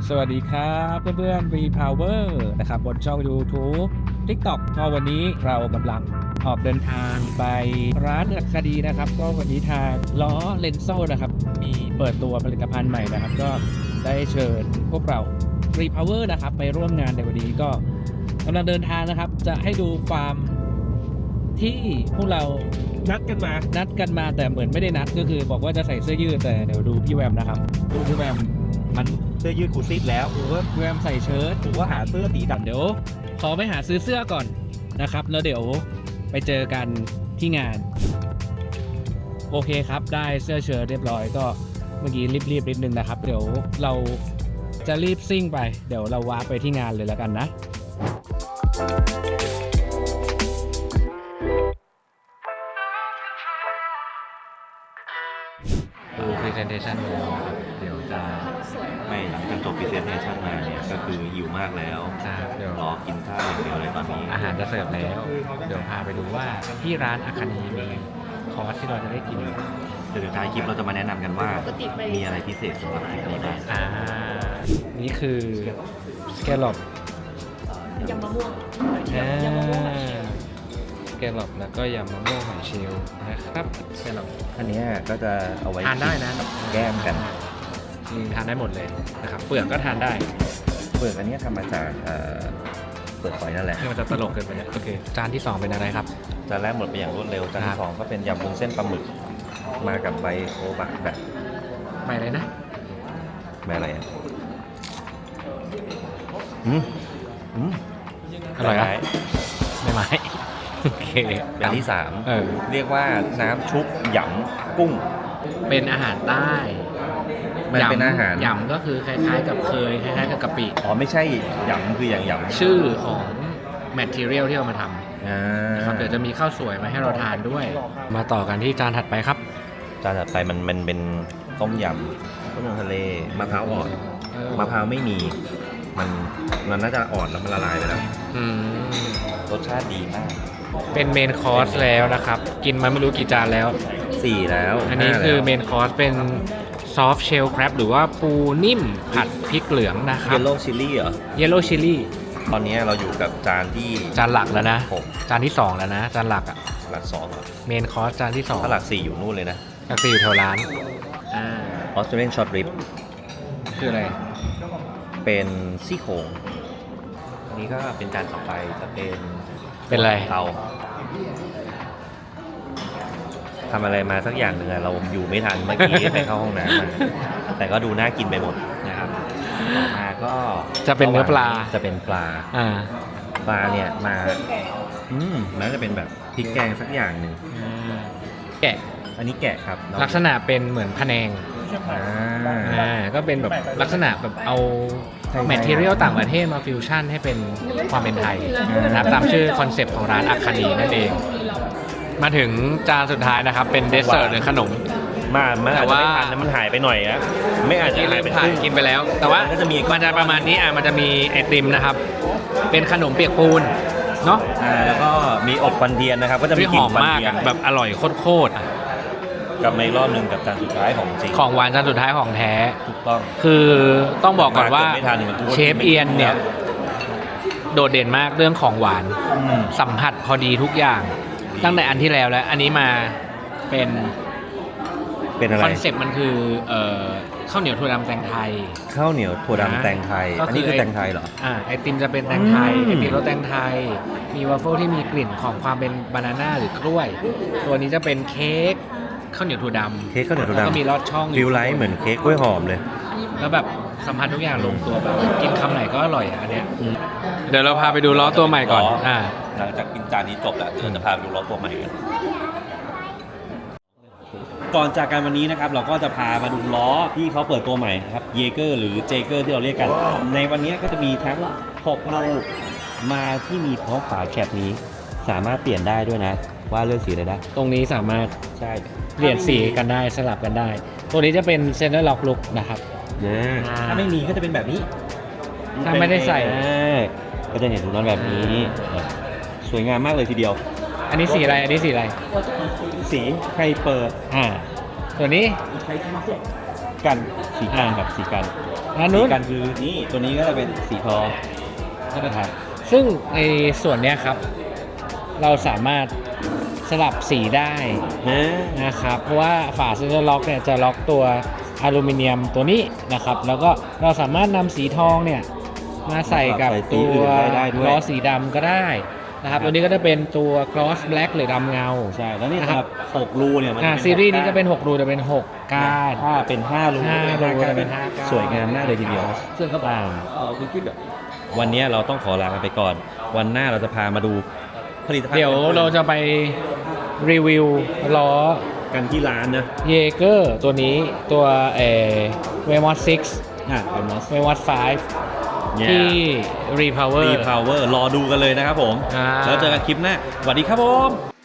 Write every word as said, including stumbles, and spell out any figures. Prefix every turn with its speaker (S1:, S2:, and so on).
S1: สวัสดีครับเพื่อนๆ V-Power นะครับบนช่อง YouTube TikTok ก็วันนี้เรากำลังออกเดินทางไปร้านอัคดีนะครับก็วันนี้ทางล้อเลนโซ่นะครับมีเปิดตัวผลิตภัณฑ์ใหม่นะครับก็ได้เชิญพวกเรา V-Power นะครับไปร่วมงานในวันนี้ก็กำลังเดินทางนะครับจะให้ดูความที่พวกเรานัดกันมานัดกันมาแต่เหมือนไม่ได้นัดก็คือบอกว่าจะใส่เสื้อยืดแต่เดี๋ยวดูพี่แวมนะครับดูพี่แวมมัน
S2: เสื้อยืดกูซีดแล้ว
S1: หรือว่าแวมใส่เชิ้ต
S2: หรือว่าหาเสื้อสีดำ
S1: เดี๋ยวขอไปหาซื้อเสื้อก่อนนะครับแล้วเดี๋ยวไปเจอกันที่งานโอเคครับได้เสื้อเชิ้ตเรียบร้อยก็เมื่อกี้รีบๆนิดนึงนะครับเดี๋ยวเราจะรีบซิ่งไปเดี๋ยวเราวาร์ปไปที่งานเลยแล้วกันนะดู presentation เลยเดี๋ยวจะ
S2: ไม่หลังจากจบ presentation มาเนี่ยก็คือหิวมากแล้ว
S1: เดี๋ยว
S2: รอกินข้าวอย่างเดียวเลยตอนนี้
S1: อาหารจะเสิร์ฟแล้วเดี๋ยวพาไปดูว่าที่ร้านอาคานีมีคอร์สที่เราจะได้กิน
S2: เดี๋ยวท้ายคลิปเราจะมาแนะนำกันว่ามีอะไรพิเศษสำหรับคลิปนี้บ้าง
S1: อ่านี่คือสแกลลอป
S3: ยำมะม่วง
S1: ยำมะม่วงหอยเชลล์สแกลลอปแล้วก็ยำมะม่วงหอยเชลล์นะครับสแกลลอป
S2: อันนี้ก็จะเอาไว้
S1: ทานได้นะ
S2: แก้มกัน
S1: ทานได้หมดเลยนะครับเปลือกก็ทานได้
S2: เปลือกอันนี้ทำมาจากเปลือกหอยนั่นแหละ
S1: นี่มันจะตลกเกินไปเนี่ยโอเคจานที่สองเป็นอะไรครับ
S2: จานแรกหมดไปอย่างรวดเร็วจานที่สองก็เป็นยำวุ้นเส้นปลาหมึกมากับใบโอบะแบบ
S1: ใบอะไรนะ
S2: ใบอะไรอ่ะอืมอืม
S1: อร่อยไหมไม่ไหมโอเค
S2: จานที่สามเรียกว่าน้ำชุบหยำกุ้ง
S1: เป็นอาหารใต้
S2: มันเป็นอาหาร
S1: หยำก็คือคล้ายๆกับเคยคล้ายๆกับกะปิ
S2: อ๋อไม่ใช่หยำคืออย่างหยำ
S1: ชื่อของ material ที่เอามาทำนะครับเดี๋ยวจะมีข้าวสวยมาให้เราทานด้วยมาต่อกันที่จานถัดไปครับ
S2: จานถัดไปมันมันเป็นต้มยำต้มยำทะเลมะพร้าวอ่อนมะพร้าวไม่มีมันมันน่าจะอ่อนแล้วมันละลายไปแล้วรสชาติดีมาก
S1: เป็นเมนคอร์สแล้วนะครับกินมาไม่รู้กี่จานแล้ว
S2: สี่แล้ว
S1: อันนี้คือเมนคอร์สเป็นซอฟต์เชลล์ครับหรือว่าปูนิ่มผัดพริกเหลืองนะครับ
S2: เยลโล่ชิลลี่เหรอ
S1: เยลโล่ชิลลี่
S2: ตอนนี้เราอยู่กับจานที่
S1: จานหลักแล้วนะจานที่สองแล้วนะจานหลักอ่ะ
S2: หลักสอง
S1: เมนคอร์สจานที่สอง
S2: ถ้าหลักสี่อยู่นู่นเลยนะ
S1: หลักสี่อยู่แถวร้าน
S2: ออสเตรเลียนช็อตริบ
S1: คืออะไร
S2: เป็นซี่โครงอันนี้ก็เป็นจานต่อไปจะเป็น
S1: เป็นอะไร
S2: เราทำอะไรมาสักอย่างหนึ่งเราอยู่ไม่ทันเมื่อกี้ไปเข้าห้องน้ำมาแต่ก็ดูน่ากินไปหมดนะครับต่อมาก็
S1: จะเป็นเนื้อปลา
S2: จะเป็นปลา
S1: อ่า
S2: ปลาเนี่ยมาอืมน่าจะเป็นแบบพริกแกงสักอย่างหนึ่ง
S1: แกะ
S2: อันนี้แกะครับ
S1: ลักษณะเป็นเหมือนพะแนงอ่าก็เป็นแบบลักษณะแบบเอาแมททีเรียลต่างประเทศมาฟิวชั่นให้เป็นความเป็นไทยนะครับตามชื่อคอนเซปต์ของร้านอาคานีนั่นเองมาถึงจานสุดท้ายนะครับเป็นเดสเซอร์หรือขนม
S2: มามันอาจจะไม่ทันนะมันหายไปหน่อยนะไม่อาจจะหายไปครึ่ง
S1: กินไปแล้วแต่ว่ามันจะมีมันจะประมาณนี้อ่ะมันจะมีไอติมนะครับเป็นขนมเปียกปูนเนาะ
S2: อ่าแล้วก็มีอบควันเทียนนะครับก็จะมีกลิ่นควันเทียน
S1: แบบอร่อยโคตร
S2: กลับมาอีกรอบนึงกับจานสุดท้ายของจริง
S1: ของหวานจานสุดท้ายของแท้
S2: ถูกต้อง
S1: คือต้องบอกก่อนว่าเชฟเอียนเนี่ยโดดเด่นมากเรื่องของหวานสัมผัสพอดีทุกอย่างตั้งแต่อันที่แล้วแล้วอันนี้มาเป็น
S2: เป็นอะไร
S1: คอนเซ็ปต์มันคือเอ่อข้าวเหนียวถั่วดำแตงไทย
S2: ข้าวเหนียวถั่วดำแตงไทยอันนี้คือแตงไทยเหรอ
S1: อ่าไอติมจะเป็นแตงไทยไอติมรสแตงไทยมีวาฟเฟิลที่มีกลิ่นของความเป็นบานาน่าหรือกล้วยตัวนี้จะเป็นเค้กข้าวเหนียวถั่วดำ
S2: เค้กข้าวเหนียวถั่วดำ
S1: ก็มีลอดช่อง
S2: ฟิลไลท์เหมือนเค้กกล้วยหอมเลย
S1: แล้วแบบสัมผัสทุกอย่างลงตัวแบบกินคำไหนก็อร่อยอ่ะอันเนี้ยเดี๋ยวเราพาไปดูล้อตัวใหม่ก่อนอ่า
S2: หลังจากกินจานนี้จบแล้วเราจะพาไปดูล้อตัวใหม่กันก่อนจากกันวันนี้นะครับเราก็จะพามาดูล้อที่เขาเปิดตัวใหม่ครับเยเกอร์หรือเจเกอร์ที่เราเรียกกันในวันนี้ก็จะมีทั้งหกลูกมาที่มีพร้อมฝาแคปนี้สามารถเปลี่ยนได้ด้วยนะว่าเลือกสีอะไรได้
S1: ตรงนี้สามารถ
S2: ใช่
S1: เปลี่ยนสีกันได้สลับกันได้ตัวนี้จะเป็นเซนเตอร์ล็อกลุกนะครับ
S2: ถ้าไม่มีก็จะเป็นแบบนี้
S1: ถ้าไม่ได้ใส่
S2: ก็จะเห็นถุงนอนแบบนี้สวยงามมากเลยทีเดียว
S1: อันนี้สีอะไรอันนี้สีอะไร
S2: สีไฮเปอร์
S1: อ่าตัวนี้
S2: กันสีกันแบบสีกัน
S1: อันนู้
S2: สี
S1: น
S2: กันคือนี่ตัวนี้ก็จะเป็นสีทองนะครับ
S1: ซึ่งในส่วนเนี้ยครับ เราสามารถสลับสีได้
S2: นะ
S1: นะครับ เพราะว่าฝาเซนเซอร์ล็อกเนี่ยจะล็อกตัวอลูมิเนียมตัวนี้นะครับ แล้วก็เราสามารถนำสีทองเนี่ยมาใส่กับตัวล้อสีดำก็ได้นะครับตัวนี้ก็จะเป็นตัว gloss black หรือดำเงา
S2: ใช่แล้วนี่
S1: นะครับ
S2: สำหรับหกรูเนี่ยมัน
S1: อ่า
S2: เป็น
S1: ซีรีส์นี้
S2: หก
S1: จะเป็นหกรูจะเป็นหกก้าน
S2: ถ้าเป็นห้ารู
S1: ห้ารู
S2: ก็
S1: จะเป็
S2: เป็น
S1: นห้าก้าน
S2: สวยงามมากเลยทีเดียว
S1: ซึ่งก็ต่าง
S2: วันนี้เราต้องขอลากันไปก่อน วันหน้าเราจะพามาดูผลิตภัณฑ์
S1: เดี๋ยวเราจะไปรีวิวล้อ
S2: กันที่ร้านนะ
S1: เยเกอร์ตัวนี้ตัวเอเวมอสซิก
S2: อ่ะเป็นมอส
S1: เวมอสไฟที่รีพาวเวอ
S2: รี
S1: ร์
S2: พาวเวอร์รอดูกันเลยนะครับผม
S1: อ่า
S2: แล้วเจอกันคลิปหน้าสวัสดีครับผม